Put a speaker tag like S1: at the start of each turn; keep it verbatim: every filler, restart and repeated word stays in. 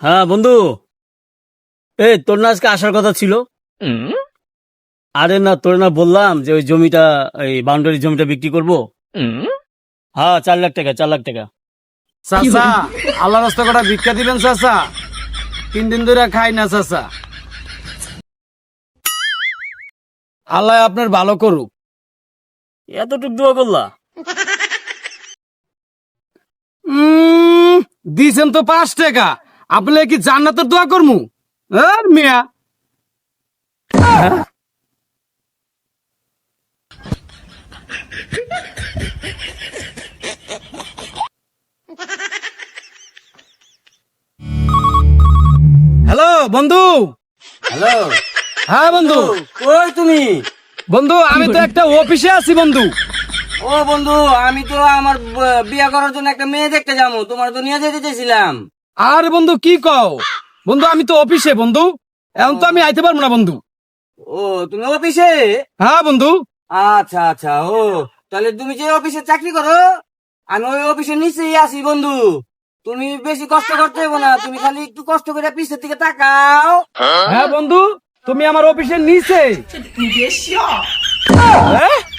S1: হ্যাঁ বন্ধু, এ তোর না আজকে আসার কথা ছিল। আরে না, তোর না বললাম যে ওই জমিটা, এই বাউন্ডারি জমিটা বিক্রি করব। হ্যাঁ, চার লাখ টাকা, চার লাখ টাকা।
S2: চাচা, আল্লাহ রাস্তা কটা ভিক্ষা দিবেন চাচা? তিন দিন ধরে খাই না চাচা। আল্লাহ আপনার ভালো করুক।
S1: এতটুক দোয়া করলা?
S2: উম, দিছেন তো পাঁচ টাকা, আপনি কি জান্নাতের দোয়া করমু? আর মিয়া হ্যালো বন্ধু।
S1: হ্যালো,
S2: হ্যাঁ বন্ধু।
S1: কই তুমি?
S2: বন্ধু আমি তো একটা অফিসে আছি বন্ধু।
S3: ও বন্ধু, আমি তো আমার ব- বিয়ে করার জন্য একটা মেয়ে দেখতে যাবো, তোমার তো নিয়ে যেতে চেয়েছিলাম।
S2: আর বন্ধু কি কও? বন্ধু আমি তো অফিসে বন্ধু, এখন তো আমি আইতে পারবো না বন্ধু।
S3: ও, তুমি অফিসে?
S2: হ্যাঁ বন্ধু।
S3: আচ্ছা আচ্ছা, ও তাহলে তুমি যে অফিসে চাকরি করো, আমি ওই অফিসের নিচেই আছি বন্ধু। তুমি বেশি কষ্ট করতে হবে না, তুমি খালি একটু কষ্ট করে পিছের দিকে তাকাও।
S2: হ্যাঁ বন্ধু, তুমি আমার অফিসের নিচে। হ্যাঁ?